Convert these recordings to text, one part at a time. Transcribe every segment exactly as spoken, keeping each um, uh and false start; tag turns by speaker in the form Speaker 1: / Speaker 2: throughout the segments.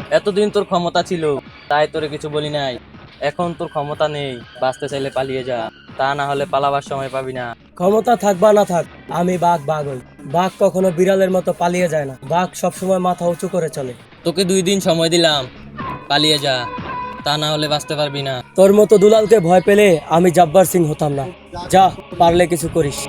Speaker 1: এতদিন তোর ক্ষমতা ছিল, তাই তোরে কিছু বলি নাই। এখন তোর ক্ষমতা নেই, বাঁচতে চাইলে পালিয়ে যা, তা না হলে পালাবার সময় পাবি না।
Speaker 2: ক্ষমতা থাক বা না থাক, আমি বাঘ বাঘ হই। বাঘ কখনো বিড়ালের মতো পালিয়ে যায় না, বাঘ সবসময় মাথা উঁচু করে চলে।
Speaker 1: তোকে দুই দিন সময় দিলাম, পালিয়ে যা, তা না হলে বাঁচতে পারবি না।
Speaker 2: তোর মতো দুলালকে ভয় পেলে আমি জব্বার সিং হতাম না। যা, পারলে কিছু করিস।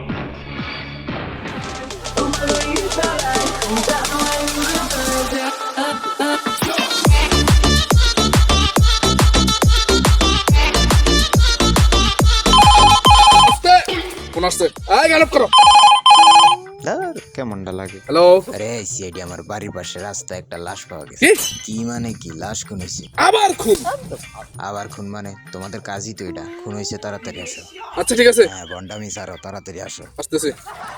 Speaker 3: কোন আসছে? আয় গানপ করো।
Speaker 4: ধর কেমনটা লাগে।
Speaker 3: হ্যালো।
Speaker 4: আরে সিআইডি আমার বাড়ির পাশে রাস্তায় একটা লাশ পাওয়া গেছে।
Speaker 3: কি?
Speaker 4: কি মানে কি লাশ খুন হয়েছে?
Speaker 3: আবার খুন?
Speaker 4: আবার খুন মানে তোমাদের কাজই তো এটা। খুন হয়েছে, তাড়াতাড়ি আসো।
Speaker 3: আচ্ছা ঠিক আছে,
Speaker 4: হ্যাঁ বন্ডামি সারো, তাড়াতাড়ি আসো।
Speaker 3: আসতেছি।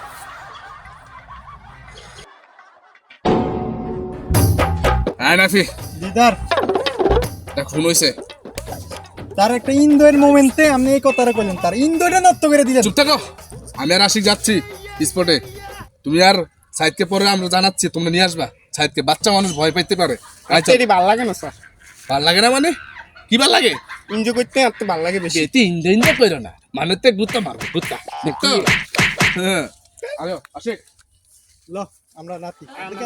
Speaker 3: হ্যাঁ নাফি,
Speaker 5: দিদার
Speaker 3: এটা খুন হয়েছে।
Speaker 5: তার একটা ইন্দোয়ের মোমেন্টে আপনি এই কথাটা কইলেন, তার ইন্দোটা নষ্ট করে দিলেন।
Speaker 3: চুপ থাকো, আমি আর আশিক যাচ্ছি স্পটে। তুমি আর সাইদকে পরে আমরা জানাচ্ছি, তোমরা নিয়ে আসবা সাইদকে। বাচ্চা মানুষ ভয় পাইতে পারে। আচ্ছা
Speaker 5: এটি ভাল লাগে না স্যার,
Speaker 3: ভাল লাগে না মানে কি ভাল লাগে?
Speaker 5: এনজয় করতে আপনি ভাল লাগে বেশি।
Speaker 3: বেটি ইন্দে ইন্দে কইরো না, মানে তো গুত্তা মারবো গুত্তা, দেখতো? হ্যাঁ আরে আশিক
Speaker 5: ল আমরা নাতি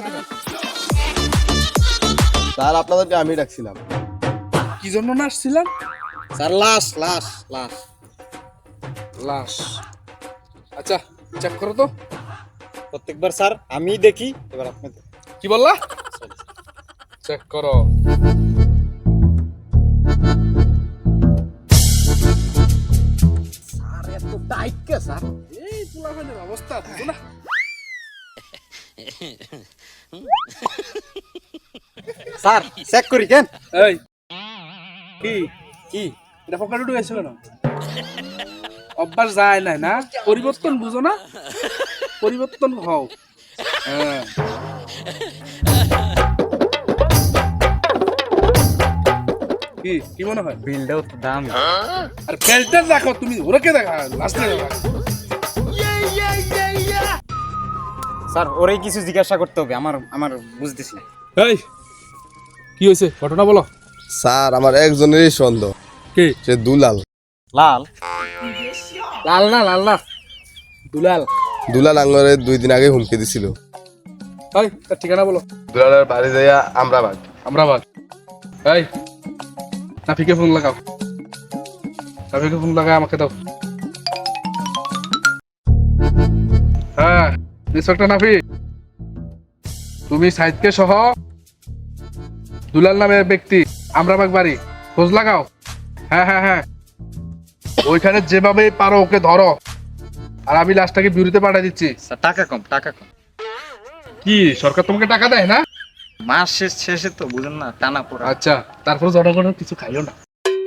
Speaker 6: স্যার আপনাদেরকে আমি ডাকছিলাম।
Speaker 3: কি জন্য না আসছিলাম?
Speaker 5: স্যার লাশ লাশ লাশ
Speaker 3: লাশ। আচ্ছা চেক করো তো।
Speaker 5: প্রত্যেকবার স্যার আমি দেখি, এবার আপনি দেখুন।
Speaker 3: কি বললা? চেক করো।
Speaker 5: স্যার এত টাইট কে স্যার?
Speaker 3: এই পোলাপানের অবস্থা বুঝো না?
Speaker 5: স্যার চেক করি কেন?
Speaker 3: এই কি কি এটা পকেটে ঢুকেছিল না? অভ্যাস যায় নাই না, পরিবর্তন বুঝো না? পরিবর্তন হও। হ্যাঁ কি কি মনে হয়?
Speaker 5: বিলটাও তো দাম।
Speaker 3: আর ফেল্টার দেখো তুমি, ওরকে দেখা লাস্টে দেখা।
Speaker 5: স্যার ওরাই কিছু জিজ্ঞাসা করতে হবে, আমার আমার বুঝতেছি না।
Speaker 3: এই কি হয়েছে ঘটনা বলো।
Speaker 6: স্যার আমার একজনেরই সন্দেহ,
Speaker 3: কি?
Speaker 6: সে দুলাল।
Speaker 5: লাল
Speaker 3: লাল না লাল না দুলাল।
Speaker 6: দুলাল আঙ্গরে দুই দিন আগে হুমকি দিছিল।
Speaker 3: এই তার ঠিকানা বলো।
Speaker 6: দুলালের বাড়ি যাইয়া আমরা বাঘ।
Speaker 3: আমরা বাদ। এই নাফিকে ফোন লাগাও, নাফিকে ফোন লাগাও আমাকে দাও। হ্যাঁ ইন্সপেক্টর নাফি, তুমি সাইদকে সহ দুলাল নামের ব্যক্তি আমরাবাগ বাড়ি খোঁজ লাগাও। হ্যাঁ হ্যাঁ হ্যাঁ ওইখানে যেভাবে পারো ওকে ধরো, আর আমি লাশটাকে বিউরিতে পাঠিয়ে দিচ্ছি।
Speaker 5: স্যার টাকা কম, টাকা কম।
Speaker 3: কি সরকার তোমাকে টাকা দেয় না?
Speaker 5: মাস শেষ শেষে তো বুঝেন না, টানা পড়া।
Speaker 3: আচ্ছা তারপর জনগণের কিছু খাইও না।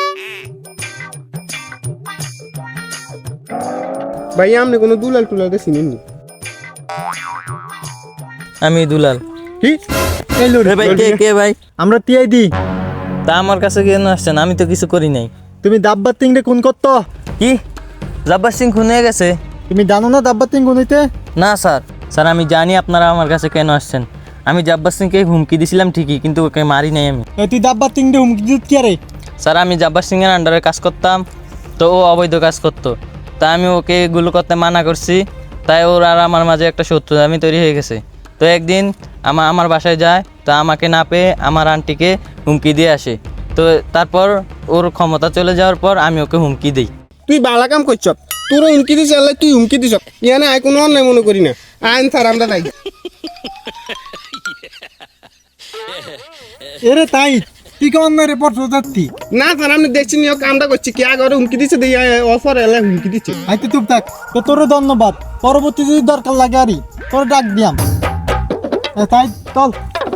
Speaker 6: ভাই আপনি কোনো দুলাল টুলালকে চিনেননি?
Speaker 1: আমি দুলাল।
Speaker 5: কি এই
Speaker 1: রে ভাই, কে কে ভাই?
Speaker 5: আমরা টিআই দি।
Speaker 1: তা আমার কাছে কেন আসছেন? আমি তো কিছু করি নাই।
Speaker 5: তুমি দাব্বার তিং রে কোন করতো?
Speaker 1: কি জব্বার সিং খুন হয়ে গেছে?
Speaker 5: তুমি জানো না দাব্বার তিং কোন হইতে?
Speaker 1: না স্যার, স্যার আমি জানি আপনারা আমার কাছে কেন আসছেন। আমি জব্বার সিংকে হুমকি দিছিলাম ঠিকই, কিন্তু ওকে মারি নাই আমি।
Speaker 5: এই তুই দাব্বার তিং রে হুমকি দিত কি রে?
Speaker 1: স্যার আমি জব্বার সিংয়ের আন্ডারে কাজ করতাম, তো ও অবৈধ কাজ করতো, তাই আমি ওকে এগুলো করতে মানা করছি। তাই ওর আর আমার মাঝে একটা শত্রু আমি তৈরি হয়ে গেছে। তো একদিন আমা আমার বাসায় যায়, তো আমাকে না পেয়ে আমার আন্টিকে হুমকি দিয়ে আসে। তো তারপর ওর ক্ষমতা চলে যাওয়ার পর আমি ওকে হুমকি দিই।
Speaker 6: তুই বালা কাম করছ, তোর হুমকি দিস, আল্লাহ তুই হুমকি দিস। ইয়ানে আই কোনো অন্যায় মনে করি না। আইন স্যার আমরা নাই।
Speaker 5: এরে তাই তুই কেমন না রিপোর্ট যাচ্ছি?
Speaker 6: না স্যার আমি দেখছি নিয়ে কামটা করছি, কে আগে হুমকি দিচ্ছে দিয়ে অফার এলে হুমকি দিচ্ছে।
Speaker 5: আইতে চুপ থাক, তো তোর ধন্যবাদ। পরবর্তী যদি দরকার লাগে আরই তোর ডাক দিয়াম। এ তাই চল।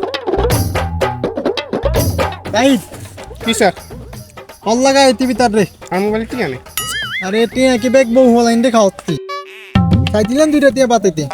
Speaker 5: তাই
Speaker 6: কি স্যার?
Speaker 5: কল লাগা এটি ভিতর রে।
Speaker 6: আমার মোবাইল ঠিক আছে?
Speaker 5: আরে এটি একই ব্যাগ বউ হলাইন রে খাওয়াচ্ছি। খাই দিলেন দুইটা দিয়ে বাতাইতে।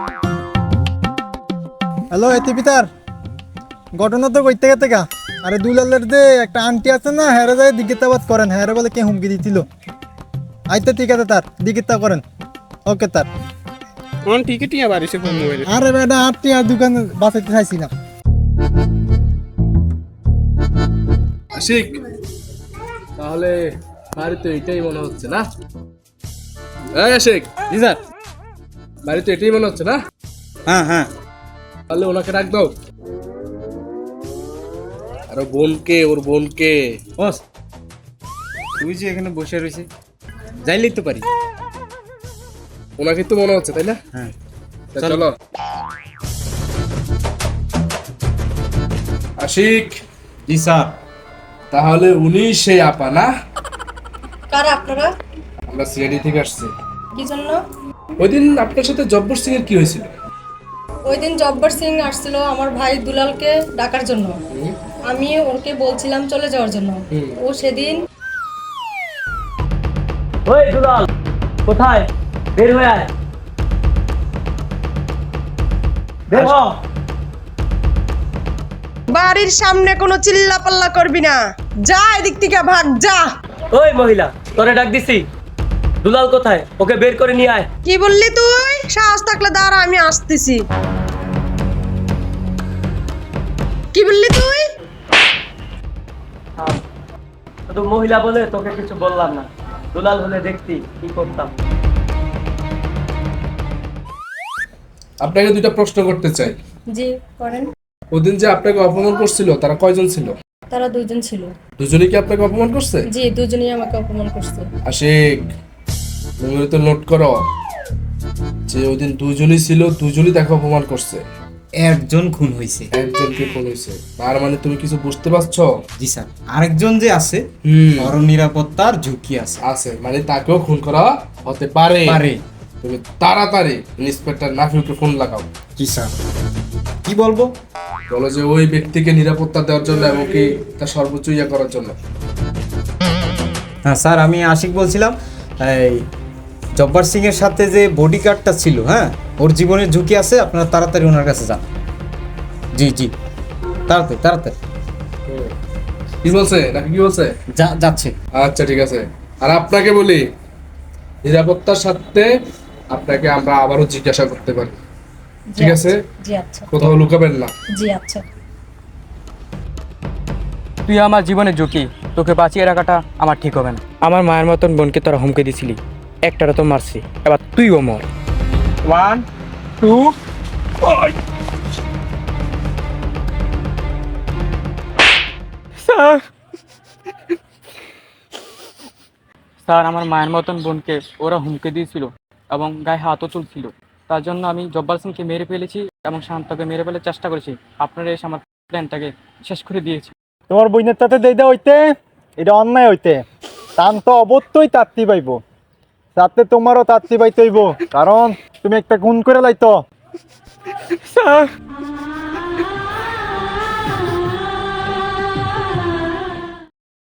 Speaker 5: হ্যালো এটি ভিতর, ঘটনা তো কইতে গেতে গা। আরে দুলালের যে একটা আন্টি আছে না, হেরে যায় দিগিতাবাদ করেন। হেরে বলে কে হুমকি দিছিল। আইতে ঠিক আছে, তার দিগিতা করেন। ওকে তার
Speaker 6: অন টিকিট ইয়া বাড়িছে ফোন মোবাইল।
Speaker 5: আরে বেটা আপনি আর দোকান বাঁচাইতে চাইছিলাম।
Speaker 3: আশিক, তাহলে বাড়িতে এটাই মনে হচ্ছে না? এই আশিক,
Speaker 6: জি স্যার।
Speaker 3: বাড়িতে এটাই মনে হচ্ছে না?
Speaker 6: হ্যাঁ হ্যাঁ।
Speaker 3: তাহলে ওনাকে ডাক দাও। আর ওর বোনকে, ওর বোনকে।
Speaker 6: বস, তুই যে এখানে বসে রয়েছে, যাইলেই তো পারি।
Speaker 3: ওনাকে তো মনে হচ্ছে, তাই না?
Speaker 6: হ্যাঁ
Speaker 3: তা চলো। আশিক,
Speaker 6: জি স্যার।
Speaker 3: তাহলে উনি সেই আপা না?
Speaker 7: কারা আপনারা?
Speaker 3: আমরা সিআইডি থেকে আসছি।
Speaker 7: কি জন্য?
Speaker 3: ওই দিন আপনার সাথে জব্বর সিং এর কি হয়েছিল?
Speaker 7: ওই দিন জব্বার সিং আসছিল আমার ভাই দুলালকে ডাকার জন্য। আমি ওকে বলছিলাম চলে যাওয়ার জন্য। ও সেদিন
Speaker 2: ওই দুলাল, কোথায়? বের হয়ে আয়, বের হ।
Speaker 8: বাড়ির সামনে কোনো চিল্লা পাল্লা করবি না, যা এদিক থেকে ভাগ যা।
Speaker 2: ওই মহিলা, তোরে ডাক দিছি, দুলাল কোথায়? ওকে বের করে নিয়ে আয়।
Speaker 8: কি বললি তুই? সাহস থাকলে দাঁড়া, আমি আসতেছি। কি বললি তুই?
Speaker 2: শুধু মহিলা বলে তোকে কিছু বললাম না, দুলাল হলে দেখতি কি করতাম।
Speaker 3: আপনাকে দুইটা প্রশ্ন করতে চাই।
Speaker 7: জি করেন।
Speaker 3: ওদিন যে আপনাকে অপমান করছিল তারা কয়জন ছিল?
Speaker 7: তারা দুইজন ছিল।
Speaker 3: দুজনেই কি আপনাকে অপমান করছে?
Speaker 7: জি, দুজনেই আমাকে অপমান করছে।
Speaker 3: আশিক, তুমি তো নোট করো যে ওদিন দুজনই ছিল, দুজনই তাকে অপমান করছে।
Speaker 6: একজন খুন হয়েছে।
Speaker 3: একজনকে খুন হয়েছে, তার মানে তুমি কিছু বুঝতে পারছো?
Speaker 6: জি স্যার। আরেকজন যে আছে,
Speaker 3: হুম,
Speaker 6: বড় নিরাপত্তার ঝুঁকি আছে।
Speaker 3: আছে, মানে তাকেও খুন করা হতে পারে।
Speaker 6: পারে।
Speaker 3: তুমি তাড়াতাড়ি ইন্সপেক্টর নাফিউকে ফোন লাগাও।
Speaker 6: জি স্যার। কি বলবো?
Speaker 3: বলো যে ওই ব্যক্তিকে নিরাপত্তা দেওয়ার জন্য এবং কি তার সর্বোচ্চ ইয়া করার জন্য।
Speaker 6: হ্যাঁ স্যার, আমি আশিক বলছিলাম। এই জব্বার সিং এর সাথে যে বডিগার্ডটা ছিল, হ্যাঁ, ওর জীবনের ঝুঁকি আছে, আপনারা তাড়াতাড়ি ওনার কাছে যান। জি জি, তাড়াতাড়ি তাড়াতাড়ি।
Speaker 3: কি বলছে নাকি কি বলছে?
Speaker 6: যা যাচ্ছে।
Speaker 3: আচ্ছা ঠিক আছে। আর আপনাকে বলি, নিরাপত্তার সাথে আপনাকে আমরা আবারও জিজ্ঞাসা করতে পারি,
Speaker 7: জি,
Speaker 3: ঠিক আছে?
Speaker 7: জি আচ্ছা।
Speaker 3: কোথাও লুকাবেন না।
Speaker 7: জি আচ্ছা।
Speaker 9: তুই আমার জীবনে ঝুঁকি, তোকে বাঁচিয়ে রাখাটা আমার ঠিক হবে না। আমার মায়ের মতন বোনকে তোরা হুমকে দিছিলি, একটারা তো মারছি, এবার তুইও মর। ওয়ান টু স্যার, স্যার আমার মায়ের মতন বোনকে ওরা হুমকে দিয়েছিল এবং গায়ে হাতও তুলছিল। তার জন্য আমি জব্বার সিংকে মেরে ফেলেছি এবং শান্তকে মেরে ফেলার চেষ্টা করেছি। আপনারা এসে আমার প্ল্যানটাকে শেষ করে দিয়েছে।
Speaker 5: তোমার বইনের তাতে দেইদা হইতে এটা অন্যায় হইতে, টান তো অবশ্যই তাত্তি পাইব, তাতে তোমারও তাত্তি পাইতে হইব, কারণ তুমি একটা গুণ করে লাইতো।
Speaker 9: স্যার